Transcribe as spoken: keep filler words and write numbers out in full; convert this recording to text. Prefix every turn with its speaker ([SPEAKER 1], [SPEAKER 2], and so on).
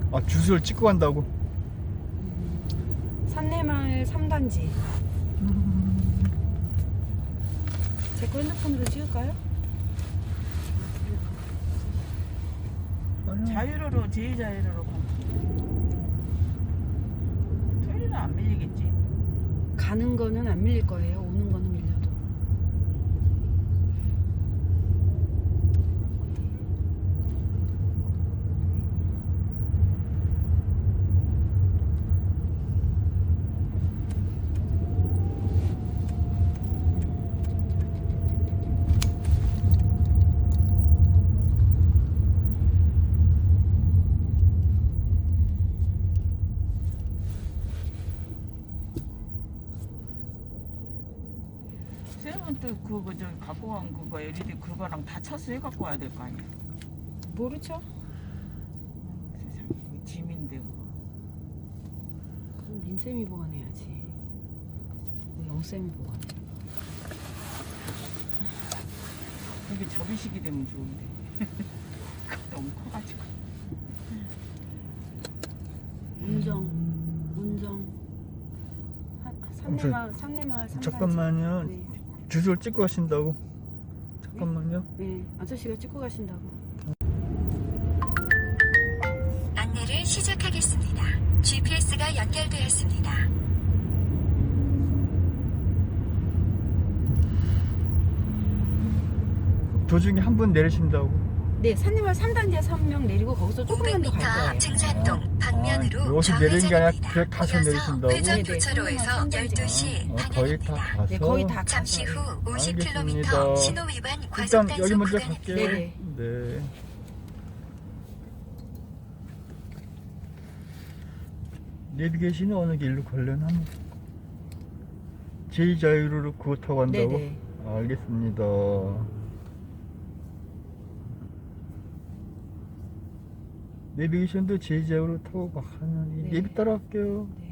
[SPEAKER 1] 아, 주소를 찍고 간다고?
[SPEAKER 2] 산내마을 삼 단지. 제 거 핸드폰으로 찍을까요?
[SPEAKER 3] 자유로로 제자유로로 가면 토요일은 안 밀리겠지?
[SPEAKER 2] 가는 거는 안 밀릴 거예요. 오는 거는 밀려도.
[SPEAKER 3] 쌤은 또 그거 저기 갖고 간 그거 엘이디 그거랑 다 차수해 갖고 와야 될 거 아니야?
[SPEAKER 2] 모르죠?
[SPEAKER 3] 세상에 그거 짐인데 그거.
[SPEAKER 2] 그럼 민쌤이 보관해야지. 왜 영쌤이 보관해?
[SPEAKER 3] 이게 접이식이 되면 좋은데 그거 너무 커가지고.
[SPEAKER 2] 운정, 운정. 산내마을, 산내마을 삼 단지.
[SPEAKER 1] 잠깐만요.
[SPEAKER 2] 네.
[SPEAKER 1] 주소를 찍고 가신다고? 잠깐만요.
[SPEAKER 2] 네, 아저씨가 찍고 가신다고.
[SPEAKER 4] 안내를 시작하겠습니다. 지피에스가 연결되었습니다.
[SPEAKER 1] 도중에 한 분 내리신다고?
[SPEAKER 2] 네, 산내마을 삼 단지에서 한 명 내리고 거기서 조금만 더 갈
[SPEAKER 4] 오백 미터
[SPEAKER 2] 거예요.
[SPEAKER 4] 증산동 방면으로
[SPEAKER 1] 아, 여기서 내리는 게 아니라
[SPEAKER 4] 좌회전입니다.
[SPEAKER 1] 그냥 가서
[SPEAKER 4] 이어서
[SPEAKER 1] 내리신다고?
[SPEAKER 4] 회전
[SPEAKER 2] 네네.
[SPEAKER 4] 교차로에서 열두 시
[SPEAKER 1] 어, 거의 다
[SPEAKER 4] 방향입니다.
[SPEAKER 1] 가서.
[SPEAKER 2] 네, 거의 다
[SPEAKER 4] 잠시 후
[SPEAKER 2] 가서.
[SPEAKER 4] 오십
[SPEAKER 1] 알겠습니다.
[SPEAKER 4] 킬로미터 신호 위반 과속
[SPEAKER 1] 일단 여기
[SPEAKER 4] 단속
[SPEAKER 1] 먼저
[SPEAKER 4] 구간입니다.
[SPEAKER 1] 갈게요.
[SPEAKER 2] 네네.
[SPEAKER 1] 네. 내비게이션이 어느 길로 걸려나? 제이자유로로 그거 타고 간다고?
[SPEAKER 2] 네네.
[SPEAKER 1] 알겠습니다. 내비게이션도 제이자유로 타고 가는
[SPEAKER 2] 네.
[SPEAKER 1] 내비 따라갈게요.
[SPEAKER 2] 네.